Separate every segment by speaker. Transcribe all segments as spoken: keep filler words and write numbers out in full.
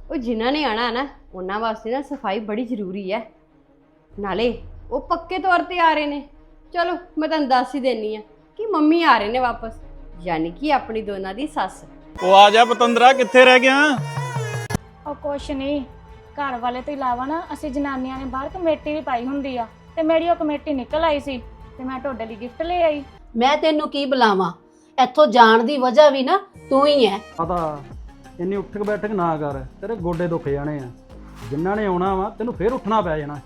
Speaker 1: ਉਹ ਜਿਨ੍ਹਾਂ ਨੇ ਆਣਾ ਨਾ ਉਹਨਾਂ ਵਾਸਤੇ ਨਾ ਸਫਾਈ ਬੜੀ ਜ਼ਰੂਰੀ ਹੈ। ਨਾਲੇ ਉਹ ਪੱਕੇ ਤੌਰ ਤੇ ਆ ਰਹੇ ਨੇ। ਚਲੋ ਮੈਂ ਤੁਹਾਨੂੰ ਦੱਸ ਹੀ ਦੇਣੀ ਆ ਕਿ ਮੰਮੀ ਆ ਰਹੇ ਨੇ ਵਾਪਸ, ਯਾਨੀ ਕਿ ਆਪਣੀ ਦੋਨਾਂ ਦੀ ਸੱਸ।
Speaker 2: ਉਹ ਆ ਜਾ ਪਤੰਦਰਾ, ਕਿੱਥੇ ਰਹਿ ਗਿਆ?
Speaker 3: ਉਹ ਕੁਛ ਨਹੀਂ, ਘਰ ਵਾਲੇ ਤੋਂ ਇਲਾਵਾ ਨਾ ਅਸੀਂ ਜਨਾਨੀਆਂ ਨੇ ਬਾਹਰ ਕਮੇਟੀ ਵੀ ਪਾਈ ਹੁੰਦੀ ਆ, ਤੇ ਮੇਰੀ ਉਹ ਕਮੇਟੀ ਨਿਕਲ ਆਈ ਸੀ ਤੇ ਮੈਂ ਤੁਹਾਡੇ ਲਈ ਗਿਫਟ ਲੈ ਆਈ।
Speaker 4: ਮੈਂ ਤੈਨੂੰ ਕੀ ਬੁਲਾਵਾਂ, ਇੱਥੋਂ ਜਾਣ ਦੀ ਵਜ੍ਹਾ ਵੀ ਨਾ ਤੂੰ ਹੀ ਹੈ।
Speaker 5: ਪਤਾ ਇੰਨੀ ਉੱਠਕ ਬੈਠਕ ਨਾ ਕਰ, ਤੇਰੇ ਗੋਡੇ ਦੁੱਖ ਜਾਣੇ ਆ। ਜਿਨ੍ਹਾਂ ਨੇ ਆਉਣਾ ਵਾ ਤੈਨੂੰ ਫੇਰ ਉੱਠਣਾ ਪੈ ਜਾਣਾ।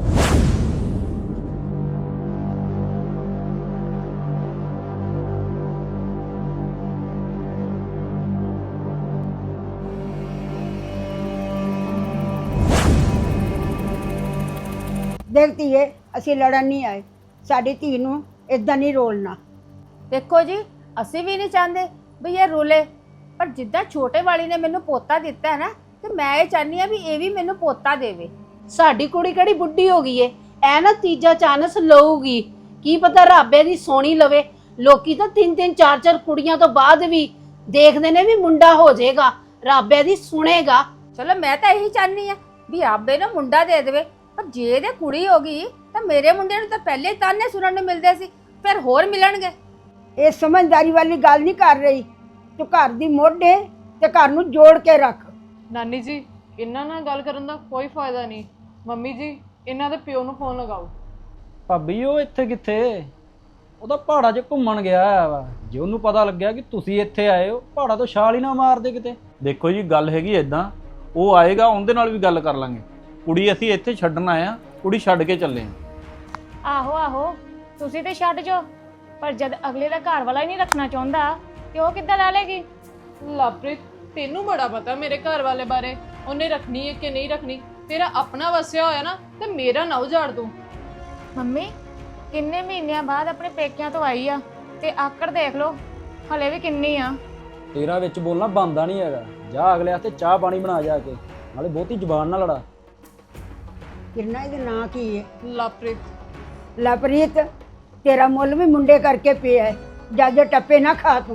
Speaker 6: ਦੇਖ ਧੀਏ, ਅਸੀਂ ਲੜਨ ਨਹੀਂ ਆਏ। ਸਾਡੀ ਧੀ ਨੂੰ ਇਦਾਂ ਨਹੀਂ ਰੋਲਣਾ।
Speaker 7: ਦੇਖੋ ਜੀ, ਅਸੀਂ ਵੀ ਨਹੀਂ ਚਾਹੁੰਦੇ ਵੀ ਇਹ ਰੋਲੇ, ਪਰ ਜਿੱਦਾਂ ਛੋਟੇ ਵਾਲੀ ਨੇ ਮੈਨੂੰ ਪੋਤਾ ਦਿੱਤਾ ਹੈ ਨਾ, ਤੇ ਮੈਂ ਇਹ ਚਾਹਨੀ ਆ ਵੀ ਇਹ ਵੀ ਮੈਨੂੰ ਪੋਤਾ ਦੇਵੇ।
Speaker 4: ਸਾਡੀ ਕੁੜੀ ਕਿਹੜੀ ਬੁੱਢੀ ਹੋ ਗਈ ਏ, ਐ ਨਾ ਤੀਜਾ ਚਾਂਸ ਲਊਗੀ। ਕੀ ਪਤਾ ਰੱਬੇ ਦੀ ਸੋਹਣੀ ਲਵੇ। ਲੋਕੀ ਤਾਂ ਤਿੰਨ ਤਿੰਨ ਚਾਰ ਚਾਰ ਕੁੜੀਆਂ ਤੋਂ ਬਾਅਦ ਵੀ ਦੇਖਦੇ ਨੇ ਵੀ ਮੁੰਡਾ ਹੋ ਜਾਏਗਾ, ਰੱਬੇ ਦੀ ਸੁਣੇਗਾ।
Speaker 7: ਚਲੋ ਮੈਂ ਤਾਂ ਇਹੀ ਚਾਹਨੀ ਆ ਵੀ ਆਬੇ ਨੂੰ ਮੁੰਡਾ ਦੇ ਦੇਵੇ, ਪਰ ਜੇ ਇਹਦੇ ਕੁੜੀ ਹੋ ਗਈ ਤਾਂ ਮੇਰੇ ਮੁੰਡੇ ਨੂੰ ਤਾਂ ਪਹਿਲੇ ਹੀ ਤਾਨੇ ਸੁਣਨ ਨੂੰ ਮਿਲਦੇ ਸੀ, ਫਿਰ ਹੋਰ ਮਿਲਣਗੇ।
Speaker 6: ਇਹ ਸਮਝਦਾਰੀ ਵਾਲੀ ਗੱਲ ਨਹੀਂ ਕਰ ਰਹੀ। ਤੂੰ ਘਰ ਦੀ ਮੋਢੇ ਤੇ ਘਰ ਨੂੰ ਜੋੜ ਕੇ ਰੱਖ।
Speaker 8: ਨਾਨੀ ਜੀ, ਇਹਨਾਂ ਨਾਲ ਗੱਲ ਕਰਨ ਦਾ ਕੋਈ ਫਾਇਦਾ ਨਹੀਂ। ਮੰਮੀ ਜੀ, ਇਹਨਾਂ ਦੇ ਪਿਓ ਨੂੰ ਫੋਨ ਲਗਾਓ।
Speaker 5: ਭਾਬੀ ਉਹ ਇੱਥੇ ਕਿੱਥੇ? ਉਹਦਾ ਪਹਾੜਾਂ 'ਚ ਘੁੰਮਣ ਗਿਆ ਵਾ। ਜੇ ਉਹਨੂੰ ਪਤਾ ਲੱਗਿਆ ਕਿ ਤੁਸੀਂ ਇੱਥੇ ਆਏ ਹੋ, ਪਹਾੜਾਂ ਤੋਂ ਛਾਲ ਹੀ ਨਾ ਮਾਰਦੇ ਕਿਤੇ।
Speaker 2: ਦੇਖੋ ਜੀ, ਗੱਲ ਹੈਗੀ ਇਦਾਂ, ਉਹ ਆਏਗਾ ਉਹਦੇ ਨਾਲ ਵੀ ਗੱਲ ਕਰ ਲਾਂਗੇ। ਕੁੜੀ ਅਸੀਂ ਇੱਥੇ ਛੱਡਣ ਆਏ ਆ, ਕੁੜੀ ਛੱਡ ਕੇ ਚੱਲੇ ਆ।
Speaker 3: ਆਹੋ ਆਹੋ, ਤੁਸੀਂ ਤੇ ਛੱਡ ਜਾਓ, ਪਰ ਜਦ ਅਗਲੇ ਦਾ ਘਰ ਵਾਲਾ ਹੀ ਨਹੀਂ ਰੱਖਣਾ ਚਾਹੁੰਦਾ ਤੇ ਉਹ ਕਿੱਦਾਂ ਲੈ ਲੇਗੀ?
Speaker 8: ਲਵਪ੍ਰੀਤ, ਤੈਨੂੰ ਬੜਾ ਪਤਾ ਮੇਰੇ ਘਰ ਵਾਲੇ ਬਾਰੇ, ਉਹਨੇ ਰੱਖਣੀ ਹੈ ਕਿ ਨਹੀਂ ਰੱਖਣੀ। ਤੇਰਾ ਆਪਣਾ ਵਸਿਆ ਹੋਇਆ ਨਾ, ਤੇ ਮੇਰਾ ਨਾ ਉਜਾੜ ਦੂੰ।
Speaker 3: ਮੰਮੀ ਕਿੰਨੇ ਮਹੀਨਿਆਂ ਬਾਅਦ ਆਪਣੇ ਪੇਕਿਆਂ ਤੋਂ ਆਈ ਆ, ਤੇ ਆਕੜ ਦੇਖ ਲਓ ਹਲੇ ਵੀ ਕਿੰਨੀ ਆ।
Speaker 5: ਤੇਰਾ ਵਿੱਚ ਬੋਲਣਾ ਬੰਦਾ ਨਹੀਂ ਹੈਗਾ। ਜਾ ਅਗਲੇ ਹੱਥੇ ਚਾਹ ਪਾਣੀ ਬਣਾ ਜਾ ਕੇ, ਨਾਲੇ ਬਹੁਤੀ ਜ਼ੁਬਾਨ ਨਾ ਲੜਾ।
Speaker 6: ਕਿਰਨਾ ਇਹਦਾ ਨਾਂ ਕੀ ਹੈ?
Speaker 8: ਲਵਪ੍ਰੀਤ।
Speaker 6: ਲਵਪ੍ਰੀਤ, ਤੇਰਾ ਮੁੱਲ ਵੀ ਮੁੰਡੇ ਕਰਕੇ ਪਿਆ ਹੈ। ਜਾਜੇ ਟੱਪੇ ਨਾ ਖਾ ਤੂੰ।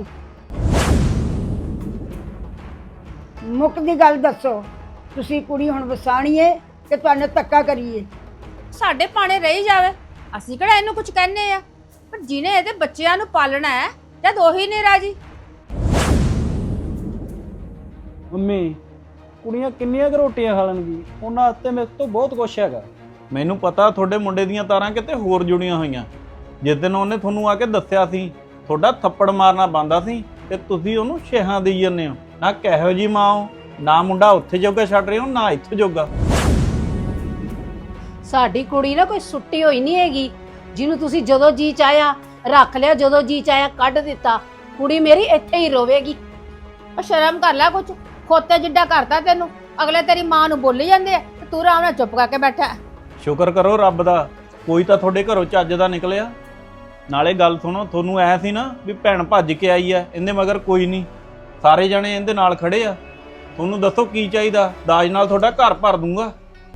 Speaker 6: ਮੁੱਕ ਦੀ ਗੱਲ ਦੱਸੋ, ਤੁਸੀਂ ਕੁੜੀ ਹੁਣ ਵਸਾਣੀ ਹੈ ਕਿ ਤੁਹਾਨੂੰ ਧੱਕਾ ਕਰੀਏ?
Speaker 7: ਸਾਡੇ ਪਾਣੇ ਰਹੀ ਜਾਵੇ, ਅਸੀਂ ਕਿਹੜਾ ਇਹਨੂੰ ਕੁਝ ਕਹਿੰਨੇ ਆ, ਪਰ ਜਿਹਨੇ ਇਹਦੇ ਬੱਚਿਆਂ ਨੂੰ ਪਾਲਣਾ ਹੈ ਜਦ ਉਹੀ ਨਹੀਂ ਰਾਜੀ।
Speaker 5: ਮੰਮੀ, ਕੁੜੀਆਂ ਕਿੰਨੀਆਂ ਕੁ ਰੋਟੀਆਂ ਖਾ ਲੈਣਗੀ? ਉਹਨਾਂ ਵਾਸਤੇ ਮੇਰੇ ਤੋਂ ਬਹੁਤ ਕੁਛ ਹੈਗਾ।
Speaker 2: ਮੈਨੂੰ ਪਤਾ ਤੁਹਾਡੇ ਮੁੰਡੇ ਦੀਆਂ ਤਾਰਾਂ ਕਿਤੇ ਹੋਰ ਜੁੜੀਆਂ ਹੋਈਆਂ। ਜਿਸ ਦਿਨ ਉਹਨੇ ਤੁਹਾਨੂੰ ਆ ਕੇ ਦੱਸਿਆ ਸੀ, ਤੁਹਾਡਾ ਥੱਪੜ ਮਾਰਨਾ ਬੰਦਾ ਸੀ ਤੇ ਤੁਸੀਂ ਉਹਨੂੰ ਛੇਹਾਂ ਦੇਈ ਜਾਂਦੇ ਹੋ। ਨਾ ਕਿਹੋ ਜੀ ਮਾਂ ਹੋ, ਨਾ ਮੁੰਡਾ ਉੱਥੇ ਜੋਗਾ ਛੱਡ ਰਹੇ ਹੋ, ਨਾ ਇੱਥੇ ਜੋਗਾ।
Speaker 4: ਸਾਡੀ ਕੁੜੀ ਨਾ ਕੋਈ ਸੁੱਟੀ ਹੋਈ ਨਹੀਂ ਹੈਗੀ, ਜਿਹਨੂੰ ਤੁਸੀਂ ਜਦੋਂ ਜੀ ਚਾਹਿਆ ਰੱਖ ਲਿਆ, ਜਦੋਂ ਜੀ ਚਾਹਿਆ ਕੱਢ ਦਿੱਤਾ। ਕੁੜੀ ਮੇਰੀ ਇੱਥੇ ਹੀ ਰੋਵੇਗੀ।
Speaker 7: ਉਹ ਸ਼ਰਮ ਕਰ ਲੈ, ਕੁਛ ਖੋਤੇ ਜਿੱਡਾ ਕਰਤਾ ਤੈਨੂੰ। ਅਗਲੇ ਤੇਰੀ ਮਾਂ ਨੂੰ ਬੋਲੀ ਜਾਂਦੇ ਆ ਤੇ ਤੂੰ ਆਰਾਮ ਨਾਲ ਚੁੱਪ ਕਰਕੇ ਬੈਠਾ।
Speaker 2: ਸ਼ੁਕਰ ਕਰੋ ਰੱਬ ਦਾ, ਕੋਈ ਤਾਂ ਤੁਹਾਡੇ ਘਰੋਂ ਚੱਜ ਦਾ ਨਿਕਲਿਆ। ਨਾਲੇ ਗੱਲ ਸੁਣੋ, ਤੁਹਾਨੂੰ ਐ ਸੀ ਨਾ ਵੀ ਭੈਣ ਭੱਜ ਕੇ ਆਈ ਆ, ਇਹਦੇ ਮਗਰ ਕੋਈ ਨਹੀਂ, ਸਾਰੇ ਜਣੇ ਇਹਦੇ ਨਾਲ ਖੜੇ ਆ। ਤੁਹਾਨੂੰ ਦੱਸੋ ਕੀ ਚਾਹੀਦਾ? ਦਾਜ ਨਾਲ ਤੁਹਾਡਾ ਘਰ ਭਰ ਦੂੰਗਾ।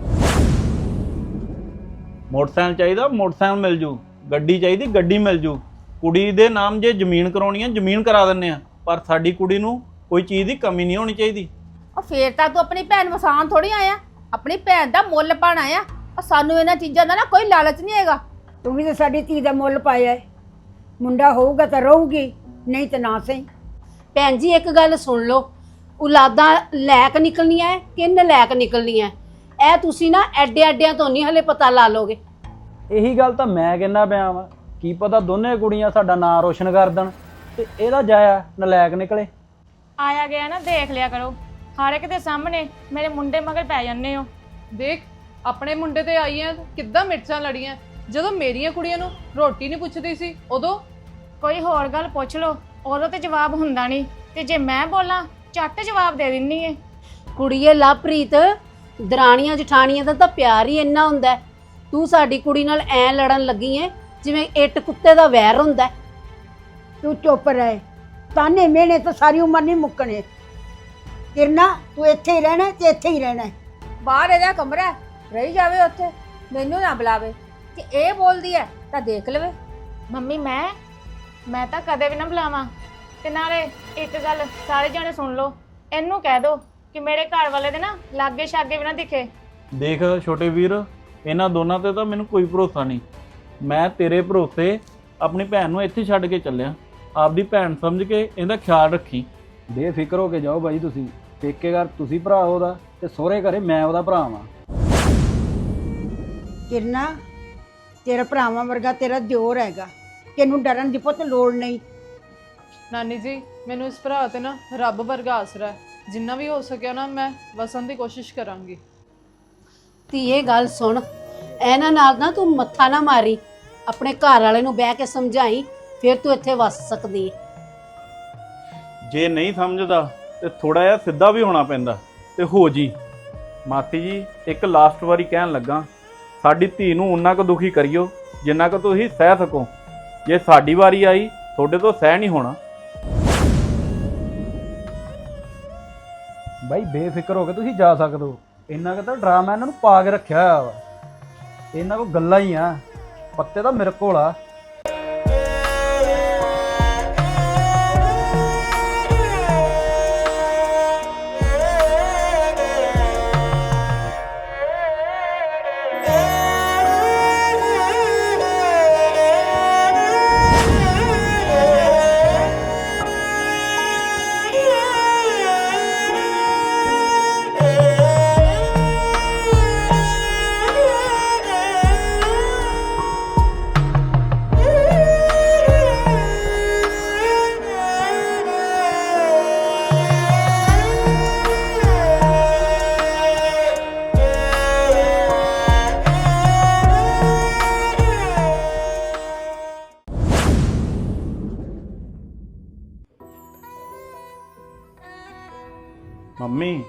Speaker 2: ਮੋਟਰਸਾਈਕਲ ਚਾਹੀਦਾ, ਮੋਟਰਸਾਈਕਲ ਮਿਲ ਜੂ। ਗੱਡੀ ਚਾਹੀਦੀ, ਗੱਡੀ ਮਿਲ ਜੂ। ਕੁੜੀ ਦੇ ਨਾਮ ਜੇ ਜ਼ਮੀਨ ਕਰਾਉਣੀ ਆ, ਜ਼ਮੀਨ ਕਰਾ ਦਿੰਨੇ ਆ, ਪਰ ਸਾਡੀ ਕੁੜੀ ਨੂੰ ਕੋਈ ਚੀਜ਼ ਦੀ ਕਮੀ ਨਹੀਂ ਹੋਣੀ ਚਾਹੀਦੀ।
Speaker 7: ਉਹ ਫੇਰ ਤਾਂ ਤੂੰ ਆਪਣੀ ਭੈਣ ਵਸਾਨ ਥੋੜੀ ਆਇਆ, ਆਪਣੀ ਭੈਣ ਦਾ ਮੁੱਲ ਪਾਣ ਆਇਆ। ਉਹ ਸਾਨੂੰ ਇਹਨਾਂ ਚੀਜ਼ਾਂ ਦਾ ਨਾ ਕੋਈ ਲਾਲਚ ਨਹੀਂ ਹੈਗਾ।
Speaker 6: ਤੂੰ ਵੀ ਤਾਂ ਸਾਡੀ ਧੀ ਦਾ ਮੁੱਲ ਪਾਇਆ ਹੈ। ਮੁੰਡਾ ਹੋਊਗਾ ਤਾਂ ਰਹੂਗੀ, ਨਹੀਂ ਤਾਂ ਨਾ ਸਹੀ।
Speaker 4: ਭੈਣ ਜੀ ਇੱਕ ਗੱਲ ਸੁਣ ਲਓ, ਔਲਾਦਾਂ ਲੈਕ ਨਿਕਲਣੀਆਂ ਕਿ ਨਲਾਇਕ ਨਿਕਲਣੀਆਂ, ਇਹ ਤੁਸੀਂ ਨਾ ਐਡੇ ਐਡਿਆਂ ਤੋਂ ਨਹੀਂ ਹਲੇ ਪਤਾ ਲਾ ਲੋਗੇ।
Speaker 5: ਇਹੀ ਗੱਲ ਤਾਂ ਮੈਂ ਕਹਿੰਦਾ ਪਿਆ ਵਾਂ। ਕੀ ਪਤਾ ਦੋਨੇ ਕੁੜੀਆਂ ਸਾਡਾ ਨਾਂ ਰੋਸ਼ਨ ਕਰ ਦੇਣ ਤੇ ਇਹਦਾ ਜਾਇਆ ਨਲਾਇਕ ਨਿਕਲੇ।
Speaker 3: ਆਇਆ ਗਿਆ ਨਾ ਦੇਖ ਲਿਆ ਕਰੋ, ਹਰ ਇੱਕ ਦੇ ਸਾਹਮਣੇ ਮੇਰੇ ਮੁੰਡੇ ਮਗਰ ਪੈ ਜਾਂਦੇ ਹੋ।
Speaker 8: ਦੇਖ, ਆਪਣੇ ਮੁੰਡੇ ਤੇ ਆਈ ਐ, ਕਿੱਦਾਂ ਮਿਰਚਾਂ ਲੜੀਆਂ। ਜਦੋਂ ਮੇਰੀਆਂ ਕੁੜੀਆਂ ਨੂੰ ਰੋਟੀ ਨਹੀਂ ਪੁੱਛਦੀ ਸੀ ਉਦੋਂ।
Speaker 3: ਕੋਈ ਹੋਰ ਗੱਲ ਪੁੱਛ ਲਓ, ਉਦੋਂ ਤੇ ਜਵਾਬ ਹੁੰਦਾ ਨਹੀਂ, ਤੇ ਜੇ ਮੈਂ ਬੋਲਾਂ ਝੱਟ ਜਵਾਬ ਦੇ ਦਿੰਨੀ ਏ।
Speaker 4: ਕੁੜੀਏ ਲਵਪ੍ਰੀਤ, ਦਰਾਣੀਆਂ ਜਠਾਣੀਆਂ ਦਾ ਤਾਂ ਪਿਆਰ ਹੀ ਇੰਨਾ ਹੁੰਦਾ। ਤੂੰ ਸਾਡੀ ਕੁੜੀ ਨਾਲ ਐ ਲੜਨ ਲੱਗੀ ਏ ਜਿਵੇਂ ਇੱਟ ਕੁੱਤੇ ਦਾ ਵੈਰ ਹੁੰਦਾ।
Speaker 6: ਤੂੰ ਚੁੱਪ ਰਹਿ। ਤਾਨੇ ਮਿਹਣੇ ਤਾਂ ਸਾਰੀ ਉਮਰ ਨਹੀਂ ਮੁੱਕਣੇ। ਕਿਰਨਾ, ਤੂੰ ਇੱਥੇ ਹੀ ਰਹਿਣਾ ਤੇ ਇੱਥੇ ਹੀ ਰਹਿਣਾ।
Speaker 7: ਬਾਹਰ ਇਹਦਾ ਕਮਰਾ ਰਹੀ ਜਾਵੇ, ਉੱਥੇ ਮੈਨੂੰ ਨਾ ਬੁਲਾਵੇ। ਕਿ ਇਹ ਬੋਲਦੀ ਹੈ ਤਾਂ ਦੇਖ ਲਵੇ।
Speaker 3: ਮੰਮੀ ਮੈਂ ਮੈਂ ਤਾਂ ਕਦੇ ਵੀ ਨਾ ਬੁਲਾਵਾਂ। ਤੇ ਨਾਲੇ ਇੱਕ ਗੱਲ ਸਾਰੇ ਜਣੇ ਸੁਣ ਲਓ, ਇਹਨੂੰ ਕਹਿ ਦੋ ਕਿ ਮੇਰੇ ਘਰ ਵਾਲੇ ਦੇ ਨਾ ਲਾਗੇ ਛਾਗੇ ਵੀ ਨਾ ਦਿਖੇ।
Speaker 2: ਦੇਖ ਛੋਟੇ ਵੀਰ, ਇਹਨਾਂ ਦੋਨਾਂ ਤੇ ਤਾਂ ਮੈਨੂੰ ਕੋਈ ਭਰੋਸਾ ਨਹੀਂ। ਮੈਂ ਤੇਰੇ ਭਰੋਸੇ ਆਪਣੀ ਭੈਣ ਨੂੰ ਇੱਥੇ ਛੱਡ ਕੇ ਚੱਲਿਆ। ਆਪਦੀ ਭੈਣ ਸਮਝ ਕੇ ਇਹਦਾ ਖਿਆਲ ਰੱਖੀ।
Speaker 5: ਬੇਫਿਕਰ ਹੋ ਕੇ ਜਾਓ ਬਾਈ ਤੁਸੀਂ। ਪੇਕੇ ਘਰ ਤੁਸੀਂ ਭਰਾ ਉਹਦਾ ਤੇ ਸਹੁਰੇ ਘਰੇ ਮੈਂ ਉਹਦਾ ਭਰਾ ਵਾਂ।
Speaker 6: ਕਿਰਨਾ, ਤੇਰਾ ਭਰਾਵਾਂ ਵਰਗਾ ਤੇਰਾ ਦਿਓਰ ਹੈਗਾ, ਤੈਨੂੰ ਡਰਨ ਦੀ ਪੁੱਤ ਲੋੜ ਨਹੀਂ।
Speaker 8: ਨਾਨੀ ਜੀ, ਮੈਨੂੰ ਇਸ ਭਰਾ ਤੇ ਨਾ ਰੱਬ ਵਰਗਾ ਆਸਰਾ ਹੈ। ਜਿੰਨਾ ਵੀ ਹੋ ਸਕਿਆ ਨਾ ਮੈਂ ਵਸਣ ਦੀ ਕੋਸ਼ਿਸ਼ ਕਰਾਂਗੀ।
Speaker 4: ਧੀਏ ਗੱਲ ਸੁਣ, ਇਹਨਾਂ ਨਾਲ ਨਾ ਤੂੰ ਮੱਥਾ ਨਾ ਮਾਰੀ, ਆਪਣੇ ਘਰ ਵਾਲੇ ਨੂੰ ਬਹਿ ਕੇ ਸਮਝਾਈ, ਫਿਰ ਤੂੰ ਇੱਥੇ ਵਸ ਸਕਦੀ ਹੈ।
Speaker 2: ਜੇ ਨਹੀਂ ਸਮਝਦਾ ਤੇ ਥੋੜਾ ਜਿਹਾ ਸਿੱਧਾ ਵੀ ਹੋਣਾ ਪੈਂਦਾ ਤੇ ਹੋ ਜੀ। ਮਾਸੀ ਜੀ, ਇੱਕ ਲਾਸਟ ਵਾਰੀ ਕਹਿਣ ਲੱਗਾ, ਸਾਡੀ ਧੀ ਨੂੰ ਉਨਾ ਕੁ ਦੁਖੀ ਕਰਿਓ ਜਿੰਨਾ ਕੁ ਤੁਸੀਂ ਸਹਿ ਸਕੋ। ਜੇ ਸਾਡੀ ਵਾਰੀ ਆਈ ਤੁਹਾਡੇ ਤੋਂ ਸਹਿ ਨਹੀਂ ਹੋਣਾ।
Speaker 5: ਬਾਈ ਬੇਫਿਕਰ ਹੋ ਕੇ ਤੁਸੀਂ ਜਾ ਸਕਦੇ ਹੋ। ਇੰਨਾ ਕੁ ਤਾਂ ਡਰਾਮਾ ਇਹਨਾਂ ਨੂੰ ਪਾ ਕੇ ਰੱਖਿਆ ਹੋਇਆ ਵਾ। ਇਹਨਾਂ ਕੋਲ ਗੱਲਾਂ ਹੀ ਆ, ਪੱਤੇ ਤਾਂ ਮੇਰੇ ਕੋਲ ਆ।
Speaker 2: ਮੰਮੀ,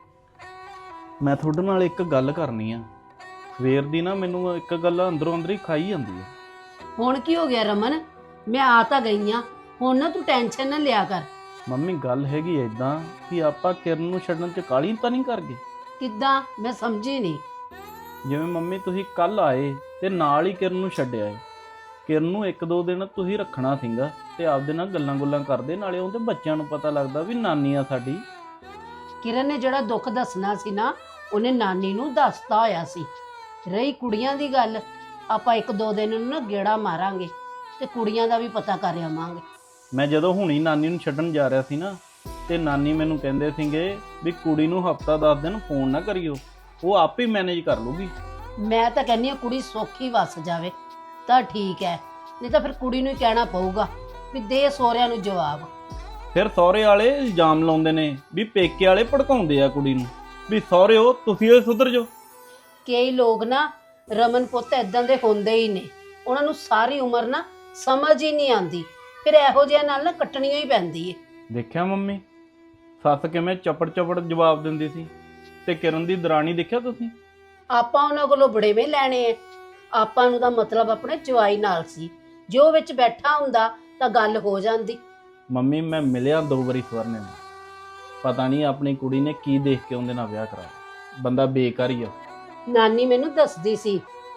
Speaker 2: ਮੈਂ ਤੁਹਾਡੇ ਨਾਲ ਇੱਕ ਗੱਲ ਕਰਨੀ ਆ। ਸਵੇਰ ਦੀ ਨਾ ਮੈਨੂੰ ਇੱਕ ਗੱਲ ਅੰਦਰੋਂ ਅੰਦਰ ਹੀ ਖਾਈ ਜਾਂਦੀ ਹੈ।
Speaker 4: ਹੁਣ ਕੀ ਹੋ ਗਿਆ ਰਮਨ? ਮੈਂ ਆ ਤਾਂ ਗਈ ਆ, ਹੁਣ ਨਾ ਤੂੰ ਟੈਨਸ਼ਨ ਨਾ ਲਿਆ ਕਰ।
Speaker 2: ਮੰਮੀ ਗੱਲ ਹੈਗੀ ਏਦਾਂ ਕਿ ਆਪਾਂ ਕਿਰਨ ਨੂੰ ਛੱਡਣ 'ਚ ਕਾਹਲੀ ਤਾਂ ਨਹੀਂ ਕਰ ਗਏ?
Speaker 4: ਕਿੱਦਾਂ? ਮੈਂ ਸਮਝੀ ਨਹੀਂ।
Speaker 2: ਜਿਵੇਂ ਮੰਮੀ ਤੁਸੀਂ ਕੱਲ ਆਏ ਤੇ ਨਾਲ ਹੀ ਕਿਰਨ ਨੂੰ ਛੱਡਿਆ ਏ। ਕਿਰਨ ਨੂੰ ਇੱਕ ਦੋ ਦਿਨ ਤੁਸੀਂ ਰੱਖਣਾ ਸੀਗਾ ਤੇ ਆਪਦੇ ਨਾਲ ਗੱਲਾਂ ਗੁੱਲਾਂ ਕਰਦੇ, ਨਾਲੇ ਉਹਦੇ ਬੱਚਿਆਂ ਨੂੰ ਪਤਾ ਲੱਗਦਾ ਵੀ ਨਾਨੀ ਆ ਸਾਡੀ।
Speaker 4: ਕਿਰਨ ਨੇ ਜਿਹੜਾ ਦੁੱਖ ਦੱਸਣਾ ਸੀ ਨਾ, ਉਹਨੇ ਨਾਨੀ ਨੂੰ ਦੱਸਤਾ ਹੋਇਆ ਸੀ। ਰਹੀ ਕੁੜੀਆਂ ਦੀ ਗੱਲ, ਆਪਾਂ ਇੱਕ ਦੋ ਦਿਨ ਨੂੰ ਨਾ ਗੇੜਾ ਮਾਰਾਂਗੇ ਤੇ ਕੁੜੀਆਂ ਦਾ ਵੀ ਪਤਾ ਕਰ ਆਵਾਂਗੇ।
Speaker 2: ਮੈਂ ਜਦੋਂ ਹੁਣੀ ਨਾਨੀ ਨੂੰ ਛੱਡਣ ਜਾ ਰਿਹਾ ਸੀ ਨਾ, ਤੇ ਨਾਨੀ ਮੈਨੂੰ ਕਹਿੰਦੇ ਸੀਗੇ ਵੀ ਕੁੜੀ ਨੂੰ ਹਫਤਾ ਦਸ ਦਿਨ ਫੋਨ ਨਾ ਕਰਿਓ, ਉਹ ਆਪੇ ਮੈਨੇਜ ਕਰ ਲੂਗੀ।
Speaker 4: ਮੈਂ ਤਾਂ ਕਹਿੰਦੀ ਆ ਕੁੜੀ ਸੌਖੀ ਵਸ ਜਾਵੇ ਤਾਂ ਠੀਕ ਹੈ, ਨਹੀਂ ਤਾਂ ਫਿਰ ਕੁੜੀ ਨੂੰ ਹੀ ਕਹਿਣਾ ਪਊਗਾ ਵੀ ਦੇ ਸਹੁਰਿਆਂ ਨੂੰ ਜਵਾਬ।
Speaker 2: ਫਿਰ ਸਹੁਰੇ ਵਾਲੇ ਇਲਜ਼ਾਮ ਲਾਉਂਦੇ ਨੇ ਵੀ ਪੇਕੇ ਵਾਲੇ ਭੜਕਾਉਂਦੇ ਆ ਕੁੜੀ ਨੂੰ, ਵੀ ਸਹੁਰਿਓ ਤੁਸੀਂ ਇਹ ਸੁਧਰ ਜਾਓ।
Speaker 4: ਕਈ ਲੋਕ ਨਾ ਰਮਨ ਪੁੱਤ ਇਦਾਂ ਦੇ ਹੁੰਦੇ ਹੀ ਨੇ, ਉਹਨਾਂ ਨੂੰ ਸਾਰੀ ਉਮਰ ਨਾ ਸਮਝ ਹੀ ਨਹੀਂ ਆਉਂਦੀ, ਫਿਰ ਇਹੋ ਜਿਹਾ ਨਾਲ ਨਾ ਕੱਟਣੀ ਹੀ ਪੈਂਦੀ ਏ।
Speaker 2: ਦੇਖਿਆ ਮੰਮੀ, ਸੱਸ ਕਿਵੇਂ ਚਪੜ ਚਪੜ ਜਵਾਬ ਦਿੰਦੀ ਸੀ। ਤੇ ਕਿਰਨ ਦੀ ਦਰਾਣੀ ਦੇਖਿਆ ਤੁਸੀਂ?
Speaker 4: ਆਪਾਂ ਉਹਨਾਂ ਕੋਲੋਂ ਬੜੇਵੇਂ ਲੈਣੇ ਆ, ਆਪਾਂ ਨੂੰ ਤਾਂ ਮਤਲਬ ਆਪਣੇ ਜਵਾਈ ਨਾਲ ਸੀ। ਜੋ ਵਿੱਚ ਬੈਠਾ ਹੁੰਦਾ ਤਾਂ ਗੱਲ ਹੋ ਜਾਂਦੀ।
Speaker 2: ਮੰਮੀ ਮੈਂ ਮਿਲਿਆ ਦੋ ਵਾਰੀ ਸਵਰਨੇ ਨੂੰ, ਪਤਾ ਨਹੀਂ ਆਪਣੀ ਕੁੜੀ ਨੇ ਕੀ ਦੇਖ ਕੇ ਉਹਦੇ ਨਾਲ ਵਿਆਹ ਕਰਾਇਆ। ਬੰਦਾ ਬੇਕਾਰ ਹੀ ਆ।
Speaker 4: ਨਾਨੀ ਮੈਨੂੰ ਦੱਸਦੀ ਸੀ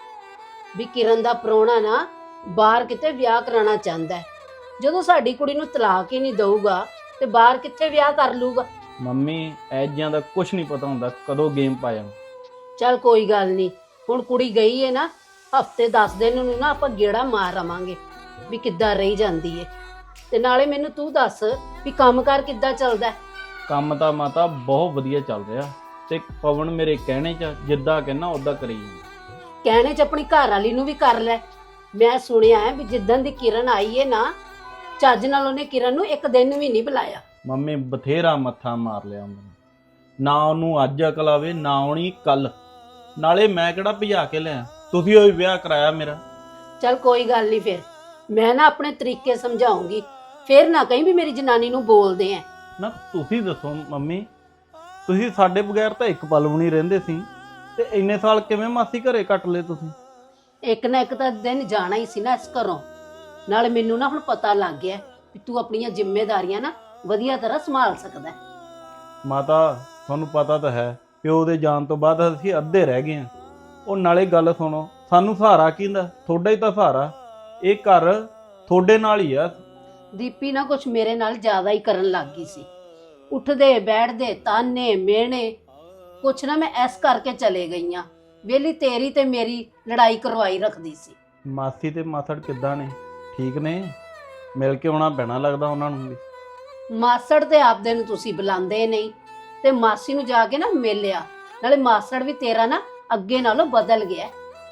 Speaker 4: ਵੀ ਕਿਰਨ ਦਾ ਪ੍ਰਾਹੁਣਾ ਨਾ ਬਾਹਰ ਕਿਤੇ ਵਿਆਹ ਕਰਾਉਣਾ ਚਾਹੁੰਦਾ ਹੈ। ਜਦੋਂ ਸਾਡੀ ਕੁੜੀ ਨੂੰ ਤਲਾਕ ਹੀ ਨਹੀਂ ਦਊਗਾ ਤੇ ਬਾਹਰ ਕਿੱਥੇ ਵਿਆਹ ਕਰ ਲੂਗਾ?
Speaker 2: ਮੰਮੀ ਐਜਿਆਂ ਦਾ ਕੁਝ ਨਹੀਂ ਪਤਾ ਹੁੰਦਾ ਕਦੋਂ ਗੇਮ ਪਾ ਜਾਣ।
Speaker 4: ਚੱਲ ਕੋਈ ਗੱਲ ਨਹੀਂ, ਹੁਣ ਕੁੜੀ ਗਈ ਹੈ ਨਾ, ਹਫਤੇ ਦਸ ਦਿਨ ਨੂੰ ਨਾ ਆਪਾਂ ਗੇੜਾ ਮਾਰ ਆਵਾਂਗੇ ਵੀ ਕਿੱਦਾਂ ਰਹੀ ਜਾਂਦੀ ਏ। ਤੇ ਨਾਲੇ ਮੈਨੂੰ ਤੂੰ ਦੱਸ ਵੀ ਕੰਮਕਾਰ ਕਿੱਦਾਂ ਚੱਲਦਾ ਹੈ?
Speaker 2: ਕੰਮ ਤਾਂ ਮਾਤਾ ਬਹੁਤ ਵਧੀਆ ਚੱਲ ਰਿਹਾ, ਤੇ ਪਵਨ ਮੇਰੇ ਕਹਿਣੇ 'ਚ ਜਿੱਦਾਂ ਕਹਿਣਾ ਉਦਾਂ ਕਰੀ ਜਾਂਦਾ।
Speaker 4: ਕਹਿਣੇ 'ਚ ਆਪਣੀ ਘਰ ਵਾਲੀ ਨੂੰ ਵੀ ਕਰ ਲੈ। ਮੈਂ ਸੁਣਿਆ ਹੈ ਵੀ ਜਿੱਦਣ ਦੀ ਕਿਰਨ ਆਈ ਏ ਨਾ, ਚੱਜ ਨਾਲ ਉਹਨੇ ਕਿਰਨ ਨੂੰ ਇੱਕ ਦਿਨ ਵੀ ਨਹੀਂ ਬੁਲਾਇਆ।
Speaker 2: ਮੰਮੀ ਬਥੇਰਾ ਮੱਥਾ ਮਾਰ ਲਿਆ ਉਹਨੇ, ਨਾ ਉਹਨੂੰ ਅੱਜ ਅਕਲ ਆਵੇ ਨਾ ਆਉਣੀ ਕੱਲ। ਨਾਲੇ ਮੈਂ ਕਿਹੜਾ ਭਜਾ ਕੇ ਲਿਆ, ਤੁਸੀਂ ਉਹ ਵਿਆਹ ਕਰਾਇਆ ਮੇਰਾ।
Speaker 4: ਚੱਲ ਕੋਈ ਗੱਲ ਨਹੀਂ, ਫਿਰ ਮੈਂ ਨਾ ਆਪਣੇ ਤਰੀਕੇ ਸਮਝਾਉਂਗੀ, ਫਿਰ ਨਾ ਕਹੀਂ ਵੀ ਮੇਰੀ ਜਨਾਨੀ ਨੂੰ ਬੋਲਦੇ ਆ।
Speaker 2: ਨਾ ਤੁਸੀਂ ਦੱਸੋ ਮੰਮੀ, ਤੁਸੀਂ ਸਾਡੇ ਬਗੈਰ ਤਾਂ ਇੱਕ ਪਲ ਵੀ ਨਹੀਂ ਰਹਿੰਦੇ ਸੀ, ਤੇ ਇੰਨੇ ਸਾਲ ਕਿਵੇਂ ਮਾਸੀ ਘਰੇ ਕੱਟ ਲਏ ਤੁਸੀਂ?
Speaker 4: ਇੱਕ ਨਾ ਇੱਕ ਤਾਂ ਦਿਨ ਜਾਣਾ ਹੀ ਸੀ ਨਾ ਇਸ ਘਰੋਂ। ਨਾਲ ਮੈਨੂੰ ਨਾ ਹੁਣ ਪਤਾ ਲੱਗ ਗਿਆ ਵੀ ਤੂੰ ਆਪਣੀਆਂ ਜ਼ਿੰਮੇਵਾਰੀਆਂ ਨਾ ਵਧੀਆ ਤਰ੍ਹਾਂ ਸੰਭਾਲ ਸਕਦਾ ਹੈ।
Speaker 2: ਮਾਤਾ ਤੁਹਾਨੂੰ ਪਤਾ ਤਾਂ ਹੈ, ਪਿਓ ਦੇ ਜਾਣ ਤੋਂ ਬਾਅਦ ਅਸੀਂ ਅੱਧੇ ਰਹਿ ਗਏ ਹਾਂ। ਉਹ ਨਾਲੇ ਗੱਲ ਸੁਣੋ, ਸਾਨੂੰ ਸਹਾਰਾ ਕਿਹਦਾ? ਤੁਹਾਡਾ ਹੀ ਤਾਂ ਸਹਾਰਾ। ਇਹ ਘਰ ਤੁਹਾਡੇ ਨਾਲ ਹੀ ਆ।
Speaker 4: ਦੀਪੀ ਨਾ ਕੁਛ ਮੇਰੇ ਨਾਲ ਜ਼ਿਆਦਾ ਹੀ ਕਰਨ ਲੱਗ ਗਈ ਸੀ। ਉੱਠਦੇ ਬੈਠਦੇ ਤਾਨੇ ਮਿਹਣੇ ਕੁਛ ਨਾ ਮੈਂ ਐਸ ਕਰਕੇ ਚਲੇ ਗਈਆਂ। ਵੇਲੀ ਤੇਰੀ ਤੇ ਮੇਰੀ ਲੜਾਈ ਕਰਵਾਈ ਰੱਖਦੀ ਸੀ।
Speaker 2: ਮਾਸੀ ਤੇ ਮਾਸੜ ਕਿੱਦਾਂ ਨੇ? ਠੀਕ ਨੇ? ਮਿਲ ਕੇ ਆਉਣਾ ਪੈਣਾ ਲੱਗਦਾ ਉਹਨਾਂ ਨੂੰ ਵੀ।
Speaker 4: ਮਾਸੜ ਤੇ ਆਪਦੇ ਨੂੰ ਤੁਸੀਂ ਬੁਲਾਉਂਦੇ ਨਹੀਂ ਤੇ ਮਾਸੀ ਨੂੰ ਜਾ ਕੇ ਨਾ ਮਿਲਿਆ। ਨਾਲੇ ਮਾਸੜ ਵੀ ਤੇਰਾ ਨਾ ਅੱਗੇ ਨਾਲੋਂ ਬਦਲ ਗਿਆ।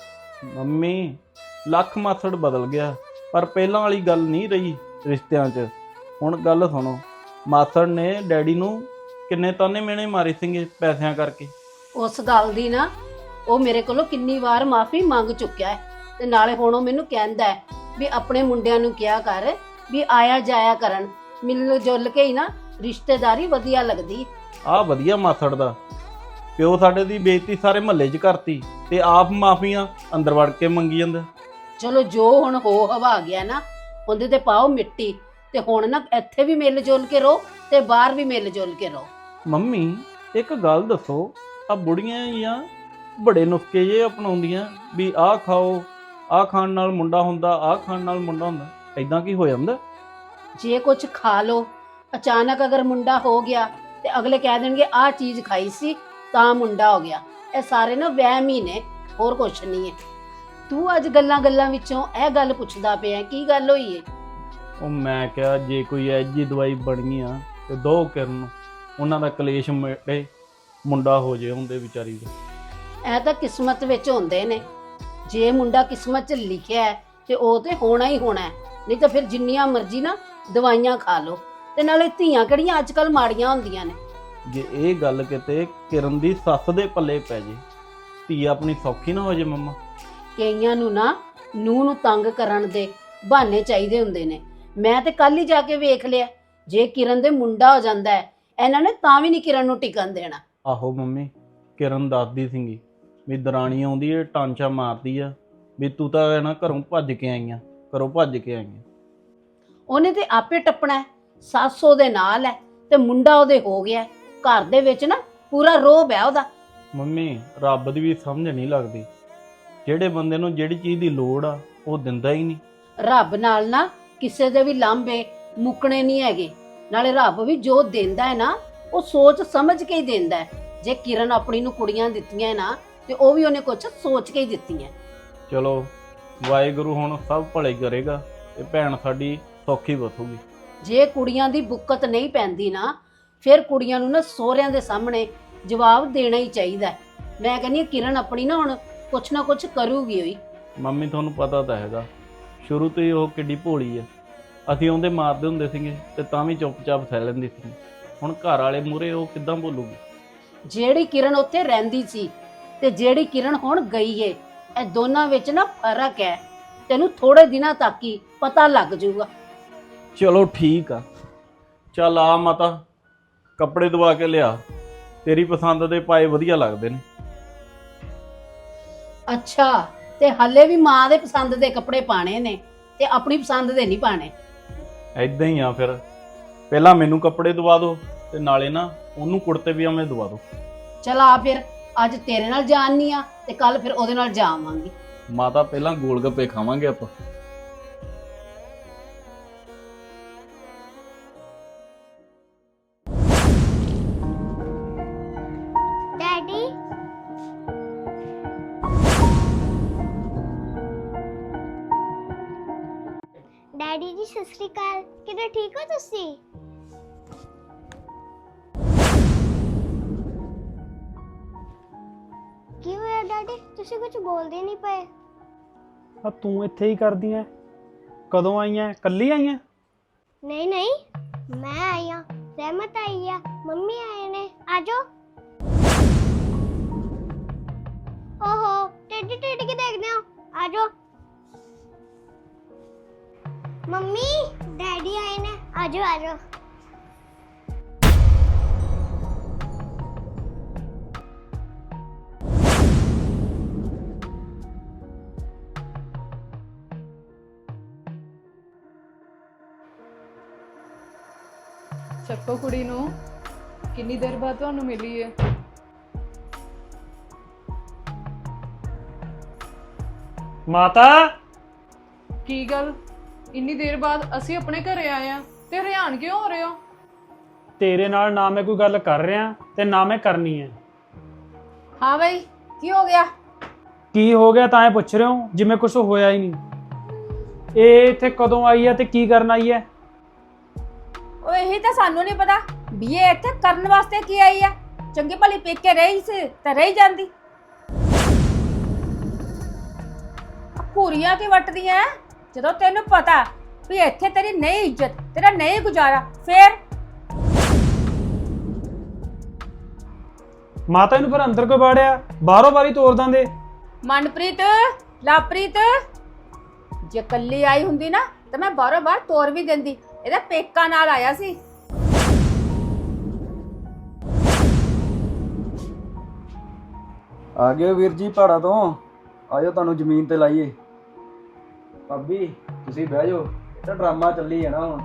Speaker 2: ਮੰਮੀ ਲੱਖ ਮਾਸੜ ਬਦਲ ਗਿਆ, ਪਰ ਪਹਿਲਾਂ ਵਾਲੀ ਗੱਲ ਨਹੀਂ ਰਹੀ ਰਿਸ਼ਤਿਆਂ 'ਚ। ਹੁਣ ਗੱਲ ਸੁਣੋ, ਮਾਸੜ ਨੇ ਡੈਡੀ ਨੂੰ ਕਿੰਨੇ ਤਾਨੇ ਮਿਹਣੇ ਮਾਰੇ ਸੀਗੇ ਪੈਸਿਆਂ ਕਰਕੇ।
Speaker 4: ਉਸ ਗੱਲ ਦੀ ਨਾ ਉਹ ਮੇਰੇ ਕੋਲੋਂ ਕਿੰਨੀ ਵਾਰ ਮਾਫੀ ਮੰਗ ਚੁੱਕਿਆ ਹੈ ਤੇ ਨਾਲੇ ਹੁਣ ਉਹ ਮੈਨੂੰ ਕਹਿੰਦਾ ਹੈ ਵੀ ਆਪਣੇ ਮੁੰਡਿਆਂ ਨੂੰ ਕਿਹਾ ਕਰ ਵੀ ਆਇਆ ਜਾਇਆ ਕਰਨ, ਮਿਲ ਜੁਲ ਕੇ ਹੀ ਨਾ ਰਿਸ਼ਤੇਦਾਰੀ ਵਧੀਆ ਲੱਗਦੀ।
Speaker 2: ਆਹ ਵਧੀਆ ਮਾਸੜ ਦਾ। ਪਿਓ ਸਾਡੇ ਦੀ ਬੇਇੱਜ਼ਤੀ ਸਾਰੇ ਮਹੱਲੇ 'ਚ ਕਰਤੀ ਤੇ ਆਪ ਮਾਫੀਆਂ ਅੰਦਰ ਵੜ ਕੇ ਮੰਗੀ ਜਾਂਦਾ।
Speaker 4: ਚਲੋ ਜੋ ਹੁਣ ਹੋ ਹਵਾ ਗਿਆ ਨਾ ਉਹਦੇ ਤੇ ਪਾਓ ਮਿੱਟੀ ਤੇ ਹੁਣ ਨਾ ਇੱਥੇ ਵੀ ਮਿਲ ਜੁਲ ਕੇ ਰਹੋ ਤੇ ਬਾਹਰ ਵੀ ਮਿਲ ਜੁਲ ਕੇ ਰਹੋ।
Speaker 2: ਮੰਮੀ ਇੱਕ ਗੱਲ ਦੱਸੋ, ਆ ਬੁੜੀਆਂ ਜਾਂ ਬੜੇ ਨੁਸਖੇ ਜੇ ਅਪਣਾਉਂਦੀਆਂ ਵੀ ਆਹ ਖਾਓ, ਆਹ ਖਾਣ ਨਾਲ ਮੁੰਡਾ ਹੁੰਦਾ, ਆਹ ਖਾਣ ਨਾਲ ਮੁੰਡਾ ਹੁੰਦਾ। ਐਦਾਂ ਕੀ ਹੋ ਜਾਂਦਾ?
Speaker 4: ਜੇ ਕੁਝ ਖਾ ਲੋ ਅਚਾਨਕ ਅਗਰ ਮੁੰਡਾ ਹੋ ਗਿਆ ਤੇ ਅਗਲੇ ਕਹਿ ਦੇਣਗੇ ਆਹ ਚੀਜ਼ ਖਾਈ ਸੀ ਤਾਂ ਮੁੰਡਾ ਹੋ ਗਿਆ। ਇਹ ਸਾਰੇ ਨਾ ਵਹਿਮ ਹੀ ਨੇ, ਹੋਰ ਕੁਛ ਨਹੀਂ ਹੈ। ਤੂੰ ਅੱਜ ਗੱਲਾਂ ਗੱਲਾਂ ਵਿੱਚੋਂ ਇਹ ਗੱਲ ਪੁੱਛਦਾ ਪਿਆ, ਕੀ ਗੱਲ ਹੋਈ ਏ?
Speaker 2: ਉਹ ਮੈਂ ਕਿਹਾ ਜੇ ਕੋਈ ਐਜੀ ਦਵਾਈ ਬਣੀ ਆ ਤੇ ਦੋ ਕਿਰਨ ਨੂੰ, ਉਹਨਾਂ ਦਾ ਕਲੇਸ਼ ਮਿਟੇ, ਮੁੰਡਾ ਹੋ ਜੇ ਹੁੰਦੇ ਵਿਚਾਰੀ ਦਾ।
Speaker 4: ਇਹ ਤਾਂ ਕਿਸਮਤ ਵਿੱਚ ਹੁੰਦੇ ਨੇ। ਜੇ ਮੁੰਡਾ ਕਿਸਮਤ 'ਚ ਲਿਖਿਆ ਹੈ ਤੇ ਉਹ ਤੇ ਹੋਣਾ ਹੀ ਹੋਣਾ ਹੈ, ਨਹੀਂ ਤਾਂ ਫਿਰ ਜਿੰਨੀਆਂ ਮਰਜ਼ੀ ਨਾ ਦਵਾਈਆਂ ਖਾ ਲਓ। ਤੇ ਨਾਲੇ ਧੀਆਂ ਕਿਹੜੀਆਂ ਅੱਜ ਕੱਲ ਮਾੜੀਆਂ ਹੁੰਦੀਆਂ ਨੇ।
Speaker 2: ਜੇ ਇਹ ਗੱਲ ਕਿਤੇ ਕਿਰਨ ਦੀ ਸੱਸ ਦੇ ਪੱਲੇ ਪੈ ਜੇ, ਧੀ ਆਪਣੀ ਸੌਖੀ ਨਾ ਹੋ ਜੇ ਮੰਮਾ।
Speaker 4: ਕਈਆਂ ਨੂੰ ਨਾ ਨੂੰਹ ਨੂੰ ਤੰਗ ਕਰਨ ਦੇ ਬਹਾਨੇ ਚਾਹੀਦੇ ਹੁੰਦੇ ਨੇ। ਮੈਂ ਤੇ ਕੱਲ ਹੀ ਜਾ ਕੇ ਵੇਖ ਲਿਆ, ਜੇ ਕਿਰਨ ਦੇ ਮੁੰਡਾ ਹੋ ਜਾਂਦਾ ਹੈ ਇਹਨਾਂ ਨੇ ਤਾਂ ਵੀ ਨਹੀਂ ਕਿਰਨ ਨੂੰ ਟਿਕਣ ਦੇਣਾ।
Speaker 2: ਆਹੋ ਮੰਮੀ, ਕਿਰਨ ਦੱਸਦੀ ਸੀਗੀ ਵੀ ਦਰਾਣੀ ਆਉਂਦੀ ਏ ਟਾਂਚਾ ਮਾਰਦੀ ਆ ਵੀ ਤੂੰ ਤਾਂ ਨਾ ਘਰੋਂ ਭੱਜ ਕੇ ਆਈਆਂ, ਘਰੋਂ ਭੱਜ ਕੇ ਆਈਆਂ।
Speaker 4: ਉਹਨੇ ਤੇ ਆਪੇ ਟੱਪਣਾ ਹੈ, ਸੱਸ ਉਹਦੇ ਨਾਲ ਹੈ ਤੇ ਮੁੰਡਾ ਉਹਦੇ ਹੋ ਗਿਆ। ਘਰ ਦੇ ਵਿੱਚ ਨਾ ਪੂਰਾ ਰੋਬ ਹੈ ਉਹਦਾ।
Speaker 2: ਮੰਮੀ ਰੱਬ ਦੀ ਵੀ ਸਮਝ ਨਹੀਂ ਲੱਗਦੀ, ਜਿਹੜੇ ਬੰਦੇ ਨੂੰ ਜਿਹੜੀ ਚੀਜ਼ ਦੀ ਲੋੜ ਆ ਉਹ ਦਿੰਦਾ ਹੀ ਨਹੀਂ।
Speaker 4: ਰੱਬ ਨਾਲ ਨਾ ਕਿਸੇ ਦੇ ਵੀ ਲਾਂਭੇ ਮੁੱਕਣੇ ਨਹੀਂ ਹੈਗੇ। ਨਾਲੇ ਰੱਬ ਵੀ ਜੋ ਦਿੰਦਾ ਹੈ ਨਾ ਉਹ ਸੋਚ ਸਮਝ ਕੇ ਹੀ ਦਿੰਦਾ ਹੈ। ਜੇ ਕਿਰਨ ਆਪਣੀ ਨੂੰ ਕੁੜੀਆਂ ਦਿੱਤੀਆਂ ਨਾ ਤੇ ਉਹ ਵੀ ਉਹਨੇ ਕੁਝ ਸੋਚ ਕੇ ਹੀ ਦਿੱਤੀਆਂ।
Speaker 2: ਚਲੋ ਵਾਹਿਗੁਰੂ ਹੁਣ ਸਭ ਭਲੇ ਕਰੇਗਾ ਤੇ ਭੈਣ ਸਾਡੀ ਸੌਖੀ ਬਸੂਗੀ।
Speaker 4: ਜੇ ਕੁੜੀਆਂ ਦੀ ਬੁੱਕਤ ਨਹੀਂ ਪੈਂਦੀ ਨਾ ਫਿਰ ਕੁੜੀਆਂ ਨੂੰ ਨਾ ਸਹੁਰਿਆਂ ਦੇ ਸਾਹਮਣੇ ਜਵਾਬ ਦੇਣਾ ਹੀ ਚਾਹੀਦਾ ਹੈ। ਮੈਂ ਕਹਿੰਦੀ ਹਾਂ ਕਿਰਨ ਆਪਣੀ ਨਾ ਹੁਣ ਕੁਛ ਨਾ ਕੁਛ ਕਰੂਗੀ ਹੋਈ।
Speaker 2: ਮੰਮੀ ਤੁਹਾਨੂੰ ਪਤਾ ਤਾਂ ਹੈਗਾ ਸ਼ੁਰੂ ਤੋਂ ਹੀ ਉਹ ਕਿੱਡੀ ਭੋਲੀ ਆ। ਅਸੀਂ ਉਹਦੇ ਮਾਰਦੇ ਹੁੰਦੇ ਸੀਗੇ ਤੇ ਤਾਂ ਵੀ ਚੁੱਪਚਾਪ ਸਹਿ ਲੈਂਦੀ ਸੀ। ਹੁਣ ਘਰ ਵਾਲੇ ਮੂਹਰੇ ਉਹ ਕਿੱਦਾਂ ਬੋਲੂਗੀ?
Speaker 4: ਜਿਹੜੀ ਕਿਰਨ ਉੱਥੇ ਰਹਿੰਦੀ ਸੀ ਤੇ ਜਿਹੜੀ ਕਿਰਨ ਹੁਣ ਗਈ ਏ, ਇਹ ਦੋਨਾਂ ਵਿੱਚ ਨਾ ਫਰਕ ਹੈ। ਤੈਨੂੰ ਥੋੜੇ ਦਿਨਾਂ ਤੱਕ ਹੀ ਪਤਾ ਲੱਗ ਜਾਊਗਾ।
Speaker 2: ਚਲੋ ਠੀਕ ਆ, ਚੱਲ ਆ ਮਾਤਾ ਕੱਪੜੇ ਦਵਾ ਕੇ ਲਿਆ, ਤੇਰੀ ਪਸੰਦ ਦੇ ਪਾਏ ਵਧੀਆ ਲੱਗਦੇ ਨੇ।
Speaker 4: ਅੱਛਾ, ਤੇ ਹੱਲੇ ਵੀ ਮਾਂ ਦੇ ਪਸੰਦ ਦੇ ਕੱਪੜੇ ਪਾਣੇ ਨੇ ਤੇ ਆਪਣੀ ਪਸੰਦ ਦੇ ਨਹੀਂ ਪਾਣੇ।
Speaker 2: ਐਦਾਂ ਹੀ ਆ ਫਿਰ, ਪਹਿਲਾਂ ਮੈਨੂੰ ਕੱਪੜੇ ਦਵਾ ਦਿਓ ਤੇ ਨਾਲੇ ਨਾ ਉਹਨੂੰ ਕੁੜਤੇ ਪਜਾਮੇ ਦਵਾ ਦਿਓ।
Speaker 4: ਚਲ ਆ ਫਿਰ, ਅੱਜ ਤੇਰੇ ਨਾਲ ਜਾਣੀ ਆ ਤੇ ਕੱਲ ਫਿਰ ਉਹਦੇ ਨਾਲ ਜਾਵਾਂਗੀ।
Speaker 2: ਮਾਤਾ ਪਹਿਲਾਂ ਗੋਲ ਗੱਪੇ ਖਾਵਾਂਗੇ ਆਪਾਂ।
Speaker 9: ਡੈਡੀ ਡੈਡੀ ਜੀ ਸਤਿ ਸ਼੍ਰੀ ਅਕਾਲ। ਕਿਵੇਂ ਠੀਕ ਹੋ ਤੁਸੀਂ? ਕੀ ਹੋਇਆ ਡੈਡੀ, ਤੁਸੀਂ ਕੁਝ ਬੋਲਦੇ ਨਹੀਂ ਪਏ?
Speaker 5: ਆ ਤੂੰ ਇੱਥੇ ਹੀ ਕਰਦੀ ਐ? ਕਦੋਂ ਆਈਆਂ? ਕੱਲੀ ਆਈਆਂ?
Speaker 9: ਨਹੀਂ ਨਹੀਂ, ਮੈਂ ਆਈ ਹਾਂ, ਰਹਿਮਤ ਆਈ ਆ, ਮੰਮੀ ਆਏ ਨੇ। ਆਜੋ। ਓਹੋ, ਟੇਡੀ ਟੇਡੀ ਕੀ ਦੇਖਦੇ ਹੋ? ਆਜੋ। ਮੰਮੀ ਡੈਡੀ ਆਏ ਨੇ, ਆਜੋ ਆਜੋ।
Speaker 8: ਚੱਕੋ ਕੁੜੀ ਨੂੰ, ਕਿੰਨੀ ਦੇਰ ਬਾਅਦ ਤੁਹਾਨੂੰ ਮਿਲੀ ਹੈ?
Speaker 5: ਮਾਤਾ
Speaker 8: ਕੀ ਗੱਲ, ਇੰਨੀ ਦੇਰ ਬਾਅਦ ਅਸੀਂ ਆਪਣੇ ਘਰੇ ਆਏ ਆ ਤੇ ਹਰਿਆਣ ਕਿਉਂ ਹੋ ਰਹੇ ਹੋ?
Speaker 10: ਤੇਰੇ ਨਾਲ ਨਾ ਮੈਂ ਕੋਈ ਗੱਲ ਕਰ ਰਿਹਾ ਤੇ ਨਾ ਮੈਂ ਕਰਨੀ ਹੈ।
Speaker 7: ਹਾਂ ਬਈ, ਕੀ ਹੋ ਗਿਆ?
Speaker 10: ਕੀ ਹੋ ਗਿਆ ਤਾਂ ਇਹ ਪੁੱਛ ਰਹੇ ਹੋ ਜਿਵੇਂ ਕੁਝ ਹੋਇਆ ਹੀ ਨਹੀਂ। ਇਹ ਇੱਥੇ ਕਦੋਂ ਆਈ ਹੈ ਤੇ ਕੀ ਕਰਨ ਆਈ ਹੈ?
Speaker 7: ਉਹ ਇਹੀ ਤਾਂ ਸਾਨੂੰ ਨਹੀਂ ਪਤਾ ਵੀ ਇਹ ਇੱਥੇ ਕਰਨ ਵਾਸਤੇ ਕੀ ਆਈ ਆ। ਚੰਗੀ ਭਲੀ ਪੇਕੇ ਰਹੀ ਸੀ ਤਾਂ ਰਹੀ ਜਾਂਦੀ। ਪੂਰੀਆਂ ਕੀ ਵੱਟਦੀਆਂ ਐ? ਜਦੋਂ ਤੈਨੂੰ ਪਤਾ ਵੀ ਇੱਥੇ ਤੇਰੀ ਨਹੀਂ ਇੱਜ਼ਤ, ਤੇਰਾ ਨਹੀਂ ਗੁਜ਼ਾਰਾ, ਫੇਰ
Speaker 10: ਮਾਤਾ ਇਹਨੂੰ ਫਿਰ ਅੰਦਰ ਕਿਉਂ ਬਾੜਿਆ? ਬਾਹਰੋਂ ਬਾਰੀ ਤੋੜ ਦਾਂਦੇ।
Speaker 7: ਮਨਪ੍ਰੀਤ, ਲਾਪ੍ਰੀਤ, ਜੇ ਕੱਲੀ ਆਈ ਹੁੰਦੀ ਨਾ ਤਾਂ ਮੈਂ ਬਾਹਰੋਂ ਬਾਹਰ ਤੋਰ ਵੀ ਦਿੰਦੀ। ਇਹਦਾ ਪੇਕਾ ਨਾਲ ਆਇਆ ਸੀ।
Speaker 5: ਆ ਗਏ ਵੀਰ ਜੀ ਪਹਾੜਾਂ ਤੋਂ, ਆਜੋ ਤੁਹਾਨੂੰ ਜ਼ਮੀਨ ਤੇ ਲਾਈਏ। ਭਾਬੀ ਤੁਸੀਂ ਬਹਿ ਜਾਓ, ਇਹ ਤਾਂ ਡਰਾਮਾ ਚੱਲੀ ਜਾਣਾ ਹੁਣ।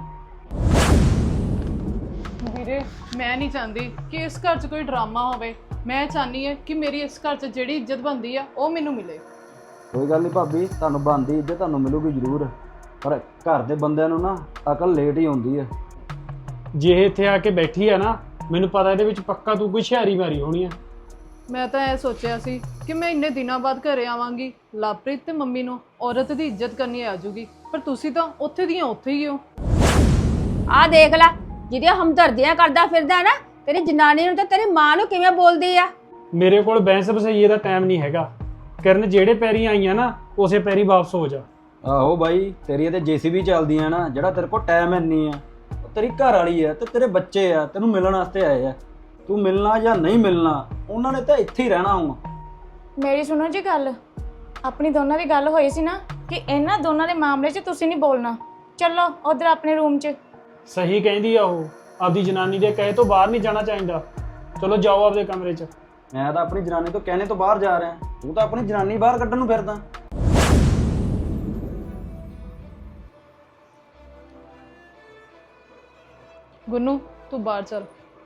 Speaker 8: ਵੀਰੇ, ਮੈਂ ਨਹੀਂ ਚਾਹੁੰਦੀ ਕਿ ਇਸ ਘਰ 'ਚ ਕੋਈ ਡਰਾਮਾ ਹੋਵੇ। ਮੈਂ ਚਾਹਨੀ ਹੈ ਕਿ ਮੇਰੀ ਇਸ ਘਰ 'ਚ ਜਿਹੜੀ ਇੱਜ਼ਤ ਬਣਦੀ ਆ ਉਹ ਮੈਨੂੰ ਮਿਲੇ।
Speaker 5: ਕੋਈ ਗੱਲ ਨਹੀਂ ਭਾਬੀ, ਤੁਹਾਨੂੰ ਬਣਦੀ ਇੱਜ਼ਤ ਤੁਹਾਨੂੰ ਮਿਲੂਗੀ ਜ਼ਰੂਰ, ਪਰ ਘਰ ਦੇ ਬੰਦਿਆਂ ਨੂੰ ਨਾ ਅਕਲ ਲੇਟ ਹੀ ਆਉਂਦੀ ਹੈ।
Speaker 10: ਜੇ ਇਹ ਇੱਥੇ ਆ ਕੇ ਬੈਠੀ ਆ ਨਾ, ਮੈਨੂੰ ਪਤਾ ਇਹਦੇ ਵਿੱਚ ਪੱਕਾ ਤੂੰ ਕੋਈ ਹੁਸ਼ਿਆਰੀ ਮਾਰੀ ਹੋਣੀ ਆ।
Speaker 8: ਮੈਂ ਤਾਂ ਇਹ ਸੋਚਿਆ ਸੀ ਕਿ ਮੈਂ ਇੰਨੇ ਦਿਨਾਂ ਬਾਅਦ ਘਰੇ ਆਵਾਂਗੀ, ਲਵਪ੍ਰੀਤ ਤੇ ਮੰਮੀ ਨੂੰ ਔਰਤ ਦੀ ਇੱਜ਼ਤ ਕਰਨੀ ਆ ਜੂਗੀ, ਪਰ ਤੁਸੀਂ ਤਾਂ ਉੱਥੇ ਦੀਆਂ ਉੱਥੇ ਹੀ ਹੋ।
Speaker 7: ਆਹ ਦੇਖ ਲੈ, ਜਿਹਦੀਆਂ ਹਮਦਰਦੀਆਂ ਕਰਦਾ ਫਿਰਦਾ ਨਾ, ਤੇਰੀ ਜਨਾਨੀ ਨੂੰ ਤੇ ਤੇਰੀ ਮਾਂ ਨੂੰ ਕਿਵੇਂ ਬੋਲਦੀ ਆ।
Speaker 10: ਮੇਰੇ ਕੋਲ ਬੈਂਸ ਬਸਈਏ ਦਾ ਟਾਈਮ ਨਹੀਂ ਹੈਗਾ। ਕਰਨ ਜਿਹੜੇ ਪੈਰੀ ਆਈਆਂ ਨਾ ਉਸੇ ਪੈਰੀ ਵਾਪਸ ਹੋ ਜਾ।
Speaker 5: ਆਹੋ ਬਾਈ, ਤੇਰੀ ਤੇ ਜੇਸੀਬੀ ਚੱਲਦੀਆਂ ਨਾ, ਜਿਹੜਾ ਤੇਰੇ ਕੋਲ ਟਾਈਮ ਇੰਨੀ ਆ। ਤੇਰੀ ਘਰ ਵਾਲੀ ਆ ਤੇ ਤੇਰੇ ਬੱਚੇ ਆ, ਤੈਨੂੰ ਮਿਲਣ ਵਾਸਤੇ ਆਏ ਆ। ਤੂੰ ਮਿਲਣਾ ਜਾਂ ਨਹੀਂ ਮਿਲਣਾ, ਉਹਨਾਂ ਨੇ ਤਾਂ ਇੱਥੇ ਹੀ ਰਹਿਣਾ ਹੁਣ।
Speaker 3: ਮੇਰੀ ਸੁਣੋ ਜੀ ਗੱਲ, ਆਪਣੀ ਦੋਨਾਂ ਦੀ ਗੱਲ ਹੋਈ ਸੀ ਨਾ ਕਿ ਇਹਨਾਂ ਦੋਨਾਂ ਦੇ ਮਾਮਲੇ 'ਚ ਤੁਸੀਂ ਨਹੀਂ ਬੋਲਣਾ। ਚਲੋ ਉਧਰ ਆਪਣੇ ਰੂਮ 'ਚ।
Speaker 10: ਸਹੀ ਕਹਿੰਦੀ ਆ ਉਹ, ਆਪਦੀ ਜਨਾਨੀ ਦੇ ਕਹੇ ਤੋਂ ਬਾਹਰ ਨਹੀਂ ਜਾਣਾ ਚਾਹੀਦਾ। ਚਲੋ ਜਾਓ ਆਪਦੇ ਕਮਰੇ 'ਚ।
Speaker 5: ਮੈਂ ਤਾਂ ਆਪਣੀ ਜਨਾਨੀ ਤੋਂ ਕਹਿਣੇ ਤੋਂ ਬਾਹਰ ਜਾ ਰਿਹਾ, ਤੂੰ ਤਾਂ ਆਪਣੀ ਜਨਾਨੀ ਬਾਹਰ ਕੱਢਣ ਨੂੰ ਫਿਰਦਾ।
Speaker 8: ਗੁੰਨੂ, ਤੂੰ ਬਾਹਰ ਚੱਲ।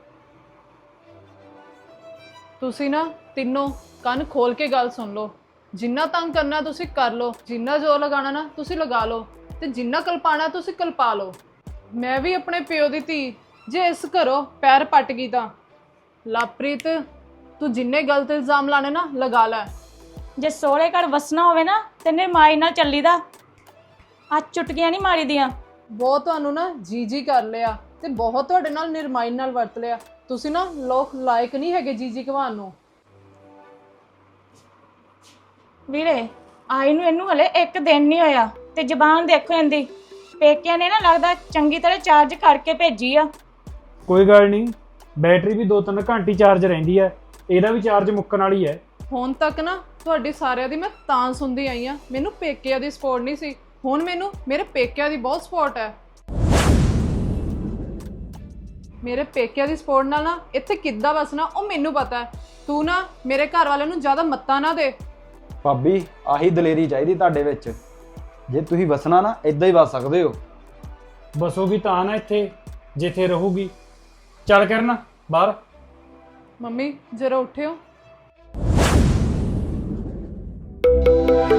Speaker 8: ਤੁਸੀਂ ਨਾ ਤਿੰਨੋਂ ਕੰਨ ਖੋਲ ਕੇ ਗੱਲ ਸੁਣ ਲਓ। ਜਿੰਨਾ ਤੰਗ ਕਰਨਾ ਤੁਸੀਂ ਕਰ ਲਓ, ਜਿੰਨਾ ਜ਼ੋਰ ਲਗਾਉਣਾ ਨਾ ਤੁਸੀਂ ਲਗਾ ਲਓ, ਤੇ ਜਿੰਨਾ ਕਲਪਾਣਾ ਤੁਸੀਂ ਕਲਪਾ ਲਓ। ਮੈਂ ਵੀ ਆਪਣੇ ਪਿਓ ਦੀ ਧੀ, ਜੇ ਇਸ ਘਰੋਂ ਪੈਰ ਪੱਟ ਗਈ ਤਾਂ ਲਵਪ੍ਰੀਤ, ਤੂੰ ਜਿੰਨੇ ਗਲਤ ਇਲਜ਼ਾਮ ਲਾਣੇ ਨਾ ਲਗਾ ਲੈ।
Speaker 3: ਜੇ ਸੋਹਰੇ ਘਰ ਵਸਣਾ ਹੋਵੇ ਨਾ ਤੇ ਨਿਰਮਾਈ ਨਾਲ ਚੱਲੀਦਾ। ਅੱਜ ਚੁਟਕੀਆਂ ਨਹੀਂ ਮਾਰੀ ਦੀਆਂ।
Speaker 8: ਬਹੁਤ ਤੁਹਾਨੂੰ ਨਾ ਜੀ ਜੀ ਕਰ ਲਿਆ ਤੇ ਬਹੁਤ ਤੁਹਾਡੇ ਨਾਲ ਨਿਰਮਾਈ ਨਾਲ ਵਰਤ ਲਿਆ। ਤੁਸੀਂ ਨਾ ਲੋਕ ਲਾਇਕ ਨਹੀਂ ਹੈਗੇ ਜੀ ਜੀ ਕਹਾਣ ਨੂੰ।
Speaker 3: ਵੀਰੇ, ਆਈ ਨੂੰ ਇਹਨੂੰ ਹਲੇ ਇੱਕ ਦਿਨ ਨਹੀਂ ਹੋਇਆ ਤੇ ਜ਼ਬਾਨ ਦੇਖੋ ਇਹਦੀ। ਪੇਕਿਆਂ ਨੇ ਨਾ ਲੱਗਦਾ ਚੰਗੀ ਤਰ੍ਹਾਂ ਚਾਰਜ ਕਰਕੇ ਭੇਜੀ ਆ।
Speaker 10: ਕੋਈ ਗੱਲ ਨਹੀਂ, ਬੈਟਰੀ ਵੀ ਦੋ ਤਿੰਨ ਘੰਟੇ ਚਾਰਜ ਰਹਿੰਦੀ ਹੈ, ਇਹਦਾ ਵੀ ਚਾਰਜ ਮੁੱਕਣ ਵਾਲੀ ਹੈ।
Speaker 8: ਹੁਣ ਤੱਕ ਨਾ ਤੁਹਾਡੀ ਸਾਰਿਆਂ ਦੀ ਮੈਂ ਤਾਂ ਸੁਣਦੀ ਆਈ ਆ, ਮੈਨੂੰ ਪੇਕਿਆਂ ਦੀ ਸਪੋਰਟ ਨਹੀਂ ਸੀ। ਹੁਣ ਮੈਨੂੰ ਮੇਰੇ ਪੇਕਿਆਂ ਦੀ ਬਹੁਤ ਸਪੋਰਟ ਹੈ। ਮੇਰੇ ਪੇਕਿਆਂ ਦੀ ਸਪੋਰਟ ਨਾਲ ਨਾ ਇੱਥੇ ਕਿੱਦਾਂ ਵਸਣਾ ਉਹ ਮੈਨੂੰ ਪਤਾ ਹੈ। ਤੂੰ ਨਾ ਮੇਰੇ ਘਰ ਵਾਲਿਆਂ ਨੂੰ ਜ਼ਿਆਦਾ ਮੱਤਾਂ ਨਾ ਦੇ।
Speaker 5: ਭਾਬੀ, ਆਹੀ ਦਲੇਰੀ ਚਾਹੀਦੀ ਤੁਹਾਡੇ ਵਿੱਚ। ਜੇ ਤੁਸੀਂ ਵਸਣਾ ਨਾ ਇਦਾਂ ਹੀ ਵਸ ਸਕਦੇ ਹੋ।
Speaker 10: ਬਸੋਗੀ ਤਾਂ ਨਾ ਇੱਥੇ, ਜਿੱਥੇ ਰਹੂਗੀ। ਚੱਲ ਕਰਨ ਬਾਹਰ।
Speaker 8: ਮੰਮੀ ਜਰਾ ਉੱਠਿਓ।